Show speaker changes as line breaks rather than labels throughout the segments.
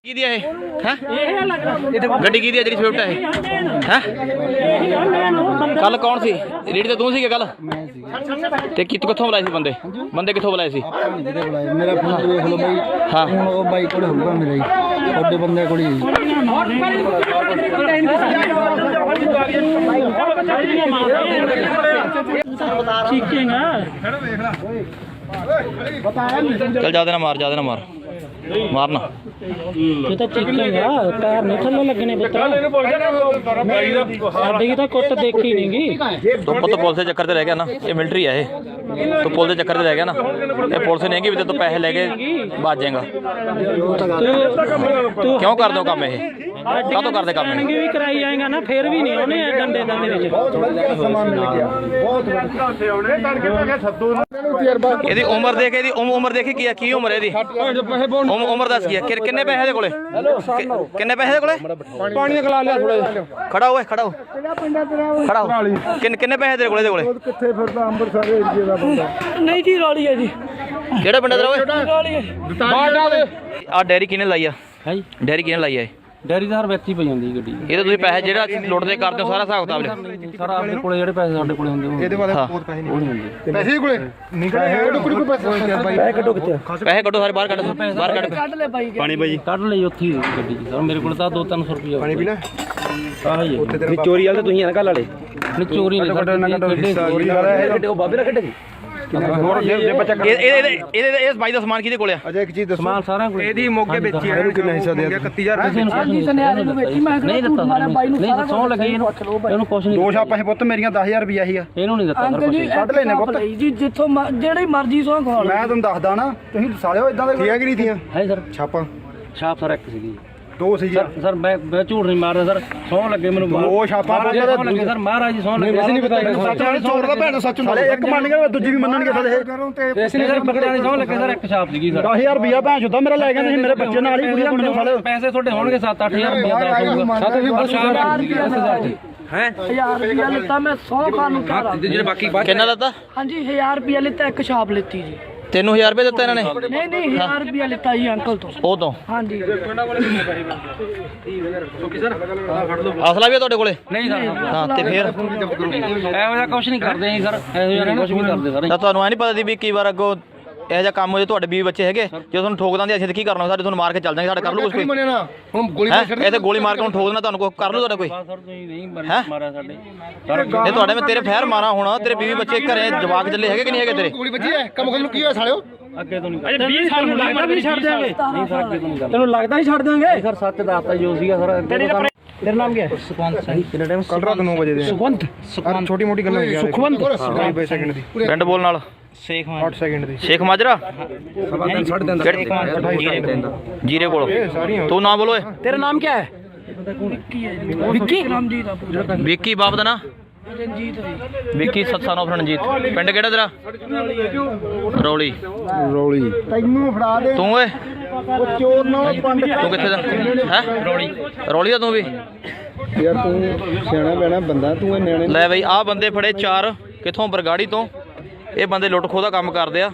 की है गड्डी की जी स्विफ्ट है कल कौन सी रेडी तो तू सी कल ते कित्थों बुलाए सी बंदे बंदे कित्थों बुलाए सी
मेरा फोन देख लो भाई। हाँ वो बाइक कोल होगा मेरा ही बड़े बंदे कोल ही
चल ज्यादा ना मार मारना
ये तो चीखेगा पैर नहीं थल्ले लगने पुत्रा साडी की तो कुट देखी नहीं
तो पुत पुलिस के चक्कर ते रह गया ना ये मिलिट्री है तो पुलिस के चक्कर ते रह गया ना ये पुलिस नहीं भी तो पैसे लेके भाज जाएगा क्यों कर दो काम ये काहतों करदे काम
भी कराई जाएगा ना फिर भी नहीं होने डंडे दा मेरे
ਇਹਦੀ ਉਮਰ ਦੇਖ ਇਹਦੀ ਉਮਰ ਦੇਖੀ ਕੀ ਉਮਰ ਹੈ ਇਹਦੀ ਉਮਰ ਦੱਸ ਕੀ ਹੈ ਕਿੰਨੇ ਪੈਸੇ ਦੇ ਕੋਲੇ ਕਿੰਨੇ ਪੈਸੇ ਦੇ ਕੋਲੇ
पानी गला लिया थोड़ा
ਖੜਾ ਹੋ ਕਿੰਨੇ ਪੈਸੇ ਦੇ ਕੋਲੇ
किथे फिरदा अंबरसर एरिया दा बंदा
नहीं जी रौली है जी
ਕਿਹੜਾ ਪਿੰਡ ਦਾ ਓਏ
रौली है
ਆ ਡੈਰੀ ਕਿਹਨੇ ਲਾਈ ਆ
है जी
ਡੈਰੀ ਕਿਹਨੇ ਲਾਈ ਆ
ਡੈਰੀ ਦਾ ਹਰ ਵਿਅਕਤੀ ਪਈ ਜਾਂਦੀ ਗੱਡੀ
ਇਹ ਤਾਂ ਤੁਸੀਂ ਪੈਸੇ ਜਿਹੜਾ ਲੁੱਟਦੇ ਕਰਦੇ ਹੋ ਸਾਰਾ ਹਿਸਾਬ ਕਿਤਾਬ ਲਿਆ
ਸਾਰਾ ਆਪਣੇ ਕੋਲੇ ਜਿਹੜੇ ਪੈਸੇ ਸਾਡੇ ਕੋਲੇ ਹੁੰਦੇ
ਇਹਦੇ ਬਾਰੇ ਬਹੁਤ ਪੈਸੇ ਨਹੀਂ ਹੁੰਦੇ ਪੈਸੇ ਕੋਲੇ ਨਿਕਲੇ ਟੁਕੜੀ ਕੋ ਪੈਸੇ
ਕੱਢੋ ਕਿੱਥੇ
ਪੈਸੇ ਕੱਢੋ ਸਾਰੇ ਬਾਹਰ ਕੱਢ
ਕੱਢ ਲੈ ਬਾਈ ਪਾਣੀ ਬਾਈ ਕੱਢ ਲਈ ਉੱਥੇ ਗੱਡੀ 'ਚ ਸਰ ਮੇਰੇ ਕੋਲ ਤਾਂ 2-300 ਰੁਪਏ
ਪਾਣੀ ਪੀਣਾ
ਆਹ ਹੀ
ਤੇ ਚੋਰੀ ਵਾਲੇ ਤਾਂ ਤੁਸੀਂ ਆ ਨਾ ਕੱਲ ਵਾਲੇ
ਨਹੀਂ ਚੋਰੀ ਨਹੀਂ ਸਰ ਉਹ ਬਾਬੇ ਨਾਲ ਕੱਢੇ
ਹੋਰ ਜੇ ਬੱਚਾ
ਇਹ ਬਾਈ ਦਾ ਸਮਾਨ ਕਿਹਦੇ ਕੋਲੇ ਆ
ਅਜਾ ਇੱਕ ਚੀਜ਼ ਦੱਸੋ
ਸਮਾਨ ਸਾਰਾ ਕੋਲ
ਇਹਦੀ ਮੋਗੇ ਵੇਚੀ ਆ ਇਹਨੂੰ ਕਿੰਨਾ ਹਿੱਸਾ ਦੇ 31000
ਨਹੀਂ ਦਿੱਤਾ ਨਹੀਂ ਸੌ ਲੱਗੀ ਇਹਨੂੰ ਕੁਛ ਨਹੀਂ
ਦੋ ਛਾਪਾਂ ਸੀ ਪੁੱਤ ਮੇਰੀਆਂ 10000 ਰੁਪਿਆ ਸੀਗਾ
ਇਹਨੂੰ ਨਹੀਂ ਦਿੱਤਾ ਸਰ ਕੁਛ
ਕੱਢ ਲੈਨੇ ਪੁੱਤ
ਜੀ ਜਿੱਥੋਂ ਜਿਹੜੀ ਮਰਜ਼ੀ ਸੌ ਖਵਾ ਲਓ
ਮੈਂ ਤੁਹਾਨੂੰ ਦੱਸਦਾ ਨਾ ਤੁਸੀਂ ਸਾਲਿਓ ਇਦਾਂ ਦੇ ਥੀਆਂ ਕਿ ਨਹੀਂ ਥੀਆਂ
ਹੈ ਸਰ
ਛਾਪਾਂ
ਛਾਪ ਸਰ ਇੱਕ ਸੀਗੀ
ਦੋ ਸੀ
ਸਰ ਮੈਂ ਝੂਠ ਨਹੀਂ ਮਾਰਦਾ ਸਰ ਸੌ ਲੱਗੇ ਮੈਨੂੰ
ਉਹ ਛਾਪਾਂ
ਲੱਗੇ ਸਰ ਮਹਾਰਾਜ ਜੀ ਸੌ ਲੱਗੇ
ਵੈਸੇ ਨਹੀਂ ਪਤਾ ਸੱਚ ਵਾਲੇ ਚੋਰ ਦਾ ਭੈਣ ਸੱਚ ਹੁੰਦਾ ਇੱਕ ਮੰਨਣਗੇ ਦੂਜੀ ਵੀ ਮੰਨਣਗੇ ਸਾਡੇ
ਵੈਸੇ ਨਹੀਂ ਸਰ ਬੱਕਰਿਆਂ ਦੀ ਸੌ ਲੱਗੇ ਸਰ ਇੱਕ ਛਾਪ ਸੀਗੀ ਸਰ
10000 ਰੁਪਿਆ ਭੈਣ ਚੋਦਾ ਮੇਰਾ ਲੈ ਗਿਆ ਤੁਸੀਂ ਮੇਰੇ ਬੱਚੇ ਨਾਲ ਹੀ ਕੁੜੀਆਂ ਮੈਨੂੰ ਸਾਲੇ
ਪੈਸੇ ਤੁਹਾਡੇ ਹੋਣਗੇ 7-8000 ਰੁਪਏ ਦਾ ਹੋਊਗਾ 7
ਹੈ 1000 ਰੁਪਿਆ ਲਿੱਤਾ ਮੈਂ 100 ਖਾਣ ਨੂੰ ਘਰ ਆ
ਜਿਹੜੇ ਬਾਕੀ
ਕਿੰਨਾ ਦਿੱਤਾ
ਹਾਂਜੀ 1000 ਰੁਪਿਆ ਲਿੱਤਾ ਇੱਕ ਛਾਪ ਲਿੱਤੀ ਜੀ
ਤੈਨੂੰ 1000 ਰੁਪਏ ਦਿੱਤਾ ਇਹਨਾਂ ਨੇ
ਨਹੀਂ 1000 ਰੁਪਿਆ ਲਿੱਤਾ ਜੀ ਅੰਕਲ ਤੋਂ
ਉਹ ਤੋਂ
ਹਾਂਜੀ
ਅਸਲਾ ਵੀ ਆ ਤੁਹਾਡੇ ਕੋਲੇ
ਨਹੀਂ ਸਰ
ਹਾਂ ਤੇ ਫਿਰ
ਇਹੋ ਜਿਹਾ ਕੁਝ ਨਹੀਂ ਕਰਦੇ ਜੀ ਸਰ ਇਹੋ ਜਿਹਾ ਕੁਝ ਨਹੀਂ ਕਰਦੇ ਸਰ
ਤਾਂ ਤੁਹਾਨੂੰ ਐ ਨਹੀਂ ਪਤਾ ਸੀ ਵੀ ਕਈ ਵਾਰ ਅੱਗੋਂ ਇਹੋ ਜਿਹਾ ਕੰਮ ਹੋ ਜੇ ਤੁਹਾਡੇ 20 ਬੱਚੇ ਹੈਗੇ ਜੇ ਤੁਹਾਨੂੰ ਠੋਕ ਦਾਂਦੇ ਅਸੀਂ ਤਾਂ ਕੀ ਕਰਨਾ ਸਾਡੇ ਤੁਹਾਨੂੰ ਮਾਰ ਕੇ ਚੱਲ ਜਾਾਂਗੇ ਸਾਡਾ ਕਰ ਲੂ ਕੁਝ ਕੋਈ
ਹੁਣ ਗੋਲੀ
ਇਹ ਤੇ ਗੋਲੀ ਮਾਰ ਕੇ ਹੁਣ ਠੋਕ ਦੇਣਾ ਤੁਹਾਨੂੰ ਕੋਈ ਕਰ ਲੂ ਤੁਹਾਡਾ ਕੋਈ
ਸਰ ਤੁਸੀਂ ਨਹੀਂ ਮਾਰਿਆ ਸਾਡੇ
ਇਹ ਤੁਹਾਡੇ ਮੈਂ ਤੇਰੇ ਫੈਰ ਮਾਰਾ ਹੋਣਾ ਤੇਰੇ 20 ਬੱਚੇ ਘਰੇ ਜਵਾਕ ਚੱਲੇ ਹੈਗੇ ਕਿ ਨਹੀਂ ਹੈਗੇ ਤੇਰੇ
ਗੋਲੀ ਵੱਜੀ ਹੈ ਕੰਮ ਕਰਨ ਨੂੰ ਕੀ ਹੋਇਆ ਸਾਲਿਓ
ਅੱਗੇ ਤੋਂ ਨਹੀਂ ਅਜੇ 20 ਸਾਲ ਨੂੰ ਲੱਗਦਾ ਵੀ ਛੱਡ ਦਿਆਂਗੇ ਨਹੀਂ ਸਰ ਅੱਗੇ ਤੋਂ ਨਹੀਂ ਤੈਨੂੰ ਲੱਗਦਾ ਹੀ ਛੱਡ ਦਿਆਂਗੇ ਸਰ ਸੱਚ ਦੱਸਤਾ ਜੋ ਸੀਗਾ ਸਰ ਤੇਰਾ ਨਾਮ ਕੀ ਹੈ ਸੁਖਵੰਤ ਸਿੰਘ ਕਿੰਨਾ ਟਾਈਮ
ਕੱਲ ਰਾਤ 9 ਵਜੇ ਦੇ
ਸੁਖਵੰਤ
ਛੋਟੀ ਮੋਟੀ ਗੱਲਾਂ ਯਾਰ
ਸੁਖਵੰਤ
20 ਸੈਕਿੰਡ ਦੀ
ਪਿੰਡ ਬੋਲ ਨਾਲ
ਸ਼ੇਖ
8 ਸੈਕਿੰਡ ਦੀ
ਸ਼ੇਖ ਮਾਜਰਾ ਜੀਰੇ ਕੋਲ ਤੂੰ ਨਾ ਬੋਲੋ
तेरा नाम क्या है
ਵਿੱਕੀ ਰਾਮਜੀਤ ਦਾ ਪੂਰਾ
ਵਿੱਕੀ ਬਾਪ ਦਾ ਨਾ
ਰਣਜੀਤ ਹੈ
ਵਿੱਕੀ ਸਤਸਾਨ ਆਫ ਰਣਜੀਤ ਪਿੰਡ ਕਿਹੜਾ ਤੇਰਾ ਰੌਲੀ
ਤੈਨੂੰ ਫੜਾ ਦੇ
ਤੂੰ ਓਏ
ਉਹ ਚੋਰ ਨਾਲ ਪੰਡ
ਤੂੰ ਕਿੱਥੇ ਦਾ ਹੈ ਰੌਲੀ ਦਾ ਤੂੰ ਵੀ
ਯਾਰ ਤੂੰ ਸਿਆਣਾ ਬੈਣਾ ਬੰਦਾ ਤੂੰ ਇਹ ਨਿਆਣੇ
ਲੈ ਬਈ ਆਹ ਬੰਦੇ ਫੜੇ 4 ਕਿੱਥੋਂ ਬਰਗਾੜੀ ਤੋਂ ਇਹ ਬੰਦੇ ਲੁੱਟ ਖੋਹ ਦਾ ਕੰਮ ਕਰਦੇ ਆ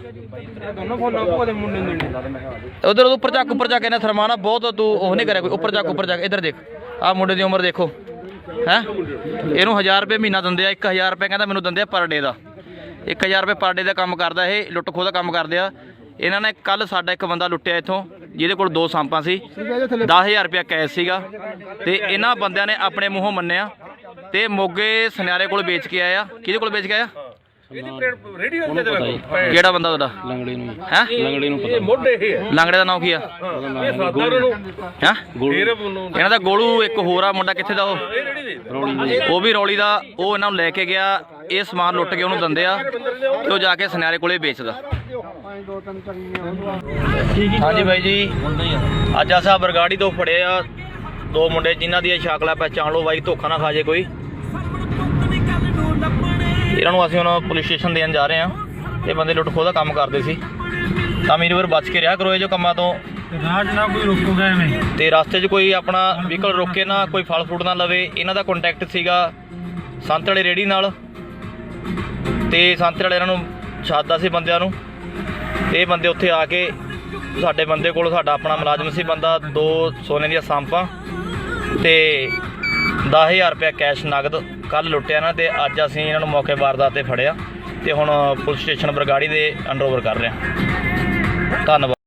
ਉਧਰ ਉੱਪਰ ਚੱਕ ਇਹਨਾਂ ਥਰਮਾਨਾ ਬਹੁਤ ਤੂੰ ਉਹ ਨਹੀਂ ਕਰਿਆ ਕੋਈ ਉੱਪਰ ਚੱਕ ਇੱਧਰ ਦੇਖ ਆਹ ਮੁੰਡੇ ਦੀ ਉਮਰ ਦੇਖੋ ਹੈ ਇਹਨੂੰ 1000 ਰੁਪਏ ਮਹੀਨਾ ਦਿੰਦੇ ਆ 1000 ਰੁਪਏ ਕਹਿੰਦਾ ਮੈਨੂੰ ਦਿੰਦੇ ਆ ਪਰ ਡੇ ਦਾ 1000 ਰੁਪਏ ਪਰ ਡੇ ਦਾ ਕੰਮ ਕਰਦਾ ਇਹ ਲੁੱਟ ਖੋਹ ਦਾ ਕੰਮ ਕਰਦੇ ਆ ਇਹਨਾਂ ਨੇ ਕੱਲ ਸਾਡਾ ਇੱਕ ਬੰਦਾ ਲੁੱਟਿਆ ਇੱਥੋਂ ਜਿਹਦੇ ਕੋਲ 2 ਸਾਂਪਾਂ ਸੀ 10000 ਰੁਪਏ ਕੈਸ਼ ਸੀਗਾ ਤੇ ਇਹਨਾਂ ਬੰਦਿਆਂ ਨੇ ਆਪਣੇ ਮੂੰਹੋਂ ਮੰਨਿਆ ਤੇ ਮੋਗੇ ਸੁਨਿਆਰੇ ਕੋਲ ਵੇਚ ਕੇ ਆਇਆ ਕਿਹਦੇ ਕੋਲ ਵੇਚ ਕੇ ਆਇਆ ਕਿਹੜਾ ਬੰਦਾ ਤੁਹਾਡਾ
ਲੰਗੜੇ ਨੂੰ
ਹੈ
ਲੰਗੜੇ ਨੂੰ ਪਤਾ
ਲੰਗੜੇ ਦਾ ਨਾਮ ਕੀ ਆ ਹੈ ਇਹਨਾਂ ਦਾ ਗੋਲੂ ਇੱਕ ਹੋਰ ਆ ਮੁੰਡਾ ਕਿੱਥੇ ਦਾ ਉਹ ਵੀ ਰੌਲੀ ਦਾ ਉਹ ਇਹਨਾਂ ਨੂੰ ਲੈ ਕੇ ਗਿਆ ਇਹ ਸਮਾਨ ਲੁੱਟ ਕੇ ਉਹਨੂੰ ਦਿੰਦੇ ਆ ਤੇ ਉਹ ਜਾ ਕੇ ਸੁਨਿਆਰੇ ਕੋਲੇ ਵੇਚਦਾ ਹਾਂਜੀ ਬਾਈ ਜੀ ਅੱਜ ਅਸਾਂ ਬਰਗਾੜੀ ਤੋਂ ਫੜੇ ਆ 2 ਮੁੰਡੇ ਜਿਨ੍ਹਾਂ ਦੀ ਸ਼ਕਲਾਂ ਪਹਿਚਾਣ ਲਓ ਬਾਈ ਧੋਖਾ ਨਾ ਖਾ ਜੇ ਕੋਈ ਇਹਨਾਂ ਨੂੰ ਅਸੀਂ ਹੁਣ ਪੁਲਿਸ ਸਟੇਸ਼ਨ ਦੇਣ ਜਾ ਰਹੇ ਹਾਂ ਇਹ ਬੰਦੇ ਲੁੱਟ ਖੋਹ ਦਾ ਕੰਮ ਕਰਦੇ ਸੀ ਤਾਂ ਮੇਰੇ ਵੀਰ ਬਚ ਕੇ ਰਿਹਾ ਕਰੋ ਇਹ ਜੋ ਕੰਮਾਂ ਤੋਂ
ਰਾਜ ਨਾ ਕੋਈ ਰੋਕੂਗਾ ਐਵੇਂ
ਤੇ ਰਸਤੇ 'ਚ ਕੋਈ ਆਪਣਾ ਵਹੀਕਲ ਰੋਕੇ ਨਾ ਕੋਈ ਫਲ ਫਰੂਟ ਨਾ ਲਵੇ ਇਹਨਾਂ ਦਾ ਕੰਟੈਕਟ ਸੀਗਾ ਸੰਤ ਵਾਲੇ ਰੇੜੀ ਨਾਲ ਤੇ ਸੰਤ ਵਾਲੇ ਇਹਨਾਂ ਨੂੰ ਛੱਡਦਾ ਸੀ ਬੰਦਿਆਂ ਨੂੰ ਇਹ ਬੰਦੇ ਉੱਥੇ ਆ ਕੇ ਸਾਡੇ ਬੰਦੇ ਕੋਲ, ਸਾਡਾ ਆਪਣਾ ਮੁਲਾਜ਼ਮ ਸੀ ਬੰਦਾ, 2 ਸੋਨੇ ਦੀਆਂ ਸਾਂਪਾਂ ਤੇ 10,000 ਰੁਪਇਆ ਕੈਸ਼ ਨਗਦ ਕੱਲ੍ਹ ਲੁੱਟਿਆ ਇਹਨਾਂ ਤੇ ਅੱਜ ਅਸੀਂ ਇਹਨਾਂ ਨੂੰ ਮੌਕੇ ਵਾਰਦਾਤ ਤੇ ਫੜਿਆ ਤੇ ਹੁਣ ਪੁਲਿਸ ਸਟੇਸ਼ਨ ਬਰਗਾੜੀ ਦੇ ਅੰਡਰ ਓਵਰ ਕਰ ਰਹੇ ਹਾਂ। ਧੰਨਵਾਦ।